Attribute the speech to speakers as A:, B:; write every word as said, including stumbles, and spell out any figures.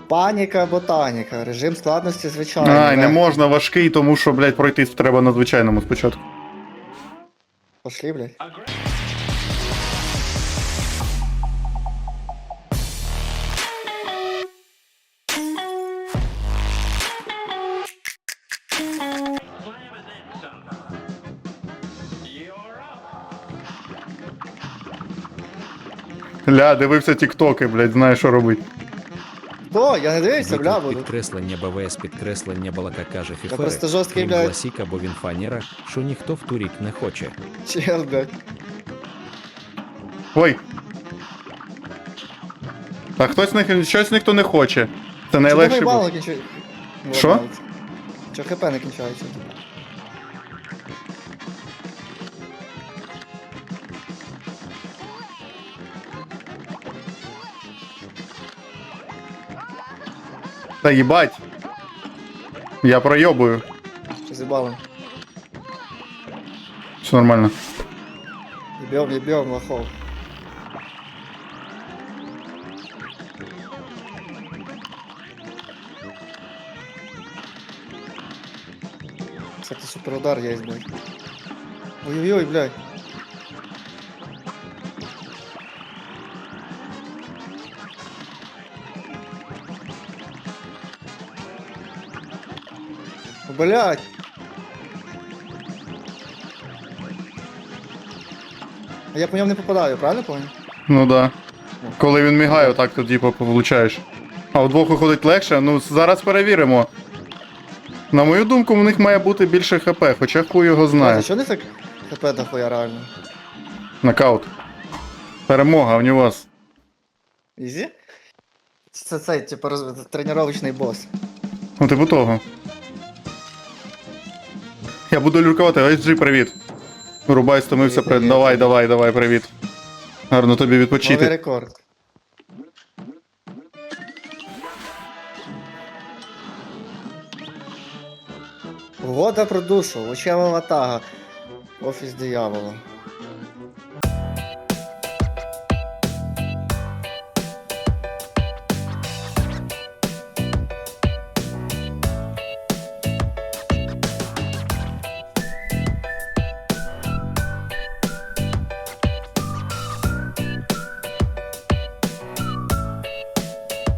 A: Паніка, ботаніка, режим складності звичайний.
B: Ай, не
A: легкий.
B: можна важкий, тому що, блядь, пройти треба на звичайному спочатку.
A: Пошли, блядь.
B: Ля, дивився тіктоки, блядь, знаю, що робити.
A: О, я не дивився, бля,
C: Виклик
A: буду.
C: підкреслення БВС підкреслення балака каже
A: Я
C: Фіфери,
A: просто жорсткий,
C: крім
A: блядь.
C: Власіка, бо він фанера, що ніхто в турік не хоче.
A: Чел, блядь.
B: Ой. А хтось не, щось ніхто не хоче. Це найлегший
A: бал
B: був.
A: не кінчує?
B: Що?
A: Чо хп не кінчається?
B: Та їбать. Я пройобую.
A: Що зібало?
B: Все нормально.
A: Єбьом, єбьом, лохов. Кстати, суперудар есть, блядь. Ой-ой-ой, блядь. Блядь. А я по ньому не попадаю, правильно понял?
B: Ну да. Коли він мігає, отак то типу получаєш. А удвох виходить легше, ну зараз перевіримо. На мою думку, в них має бути більше хп, хоча хуй його
A: А
B: знає.
A: що не так хп дохуя реально?
B: Нокаут. Перемога, в нього вас.
A: Ізі? Це цей, типу, роз... тренувальний бос.
B: Ну типу того. Я буду люркувати, ес джі, привіт. Рубай, стомився,
A: Привіт,
B: привіт.
A: привіт.
B: Давай, давай, давай, привіт. Гарно тобі
A: Новий
B: відпочити.
A: рекорд. Угода про душу, очева ватага. Офіс диявола.